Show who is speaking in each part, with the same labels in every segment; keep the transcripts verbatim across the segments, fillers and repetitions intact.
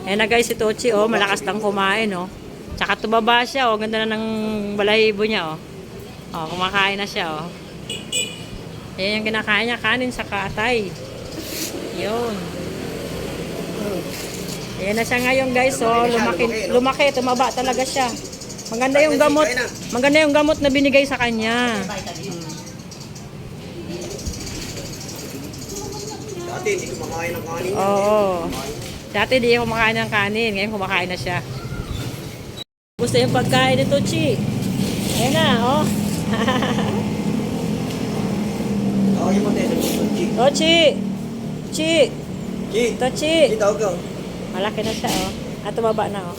Speaker 1: Ayan na guys, si Tochi, oh, malakas lang kumain, oh. Tsaka tumaba siya, oh. Ganda na ng balahibo niya, oh. Oh, kumakain na siya, oh. Ayan yung kinakain niya, kanin sa katay. Yun. Ayan na siya ngayon guys, oh. Lumaki, lumaki, tumaba talaga siya. Maganda yung gamot, maganda yung gamot na binigay sa kanya.
Speaker 2: Dati hindi kumakain ng kanin.
Speaker 1: Oo. Dati hindi kumakain ng kanin, ngayon kumakain na siya. Gusto yung pagkain ni Tochi. Ayan na, oh.
Speaker 2: Tawagin mo tayo.
Speaker 1: Tochi! Chi!
Speaker 2: Chi!
Speaker 1: Tochi!
Speaker 2: Chi, tawag ka.
Speaker 1: Malaki na siya, oh. At tumaba na, oh.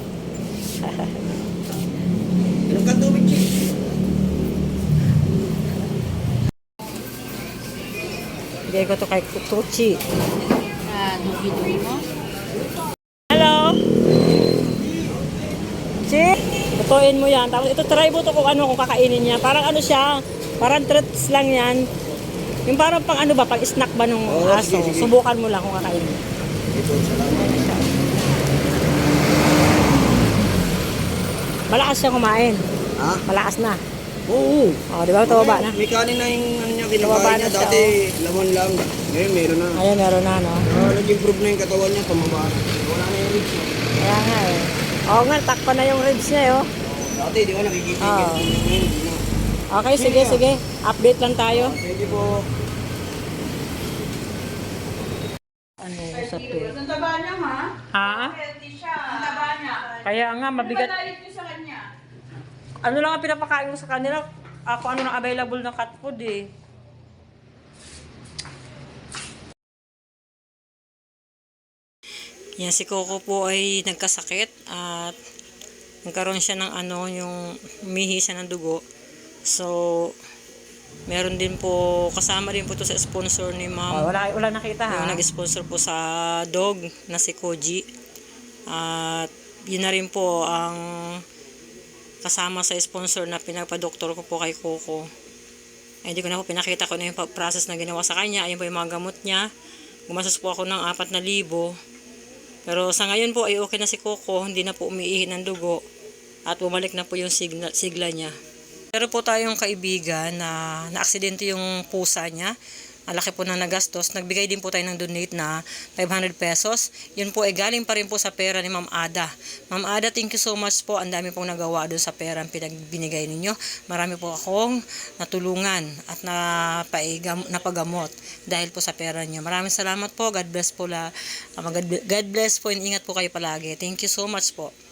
Speaker 2: Inom ka tubig, Chi.
Speaker 1: Bigay ko to kay Tochi.
Speaker 3: Ah, dugi-dugi mo?
Speaker 1: Hello! Chi! Lutuin mo yan. Tapos ito, try mo to kung ano, kung kakainin niya. Parang ano siya, parang treats lang yan. Yung parang pang ano ba, pang snack ba nung
Speaker 2: Oo,
Speaker 1: aso.
Speaker 2: sige, sige.
Speaker 1: Subukan mo lang kung kakainin mo.
Speaker 2: Ito, salamat.
Speaker 1: Malakas siya kumain.
Speaker 2: Ha?
Speaker 1: Malakas na.
Speaker 2: Oo.
Speaker 1: O, di ba? Tumaba na.
Speaker 2: May kanin na yung ano niya,
Speaker 1: Tumaba
Speaker 2: kinakain
Speaker 1: na
Speaker 2: niya.
Speaker 1: siya,
Speaker 2: Dati, laman lang. Ngayon, meron na.
Speaker 1: Ayun, meron na, no?
Speaker 2: Ah, nag-improve na yung katawan niya, tumaba na. Wala na yung ribs niya.
Speaker 1: Kaya nga, eh. Oo nga, takpan na yung ribs niya, eh, oh.
Speaker 2: Dati, di ba nakikita
Speaker 1: Oo.
Speaker 2: yung ganito. Ngayon, hindi na.
Speaker 1: Okay, sige, sige. Update lang tayo.
Speaker 2: Thank you po.
Speaker 1: Ano sa to?
Speaker 3: Ang taba niya, ha?
Speaker 1: Ha?
Speaker 3: Healthy siya. Ang taba niya.
Speaker 1: Kaya nga, mabigat.
Speaker 3: Ano ba diet niyo sa kanya?
Speaker 1: Ano lang ang pinapakain ko sa kanila? Ako ano na available ng cat food, eh. Yan, si Coco po ay nagkasakit at nagkaroon siya ng ano, yung umihi siya ng dugo. So, meron din po, kasama din po to sa sponsor ni ma'am.
Speaker 4: Oh, wala, wala nakita ha.
Speaker 1: Yung nag-sponsor po sa dog na si Koji. At yun na rin po ang kasama sa sponsor na pinagpa-doktor ko po kay Coco. Ay, hindi ko na po pinakita ko na yung process na ginawa sa kanya. Ayun po yung mga gamot niya. Gumastos po ako ng apat na libo. Pero sa ngayon po ay okay na si Coco. Hindi na po umiihi ng dugo. At bumalik na po yung sigla, sigla niya. Pero po tayong kaibigan na na-aksidente yung pusa niya. Malaki po na nagastos. Nagbigay din po tayo ng donate na five hundred pesos. Yun po ay galing pa rin po sa pera ni Ma'am Ada. Ma'am Ada, thank you so much po. Ang dami pong nagawa doon sa pera ang pinagbinigay ninyo. Marami po akong natulungan at napaigam, napagamot dahil po sa pera niyo. Maraming salamat po. God bless po. La, God bless po and ingat po kayo palagi. Thank you so much po.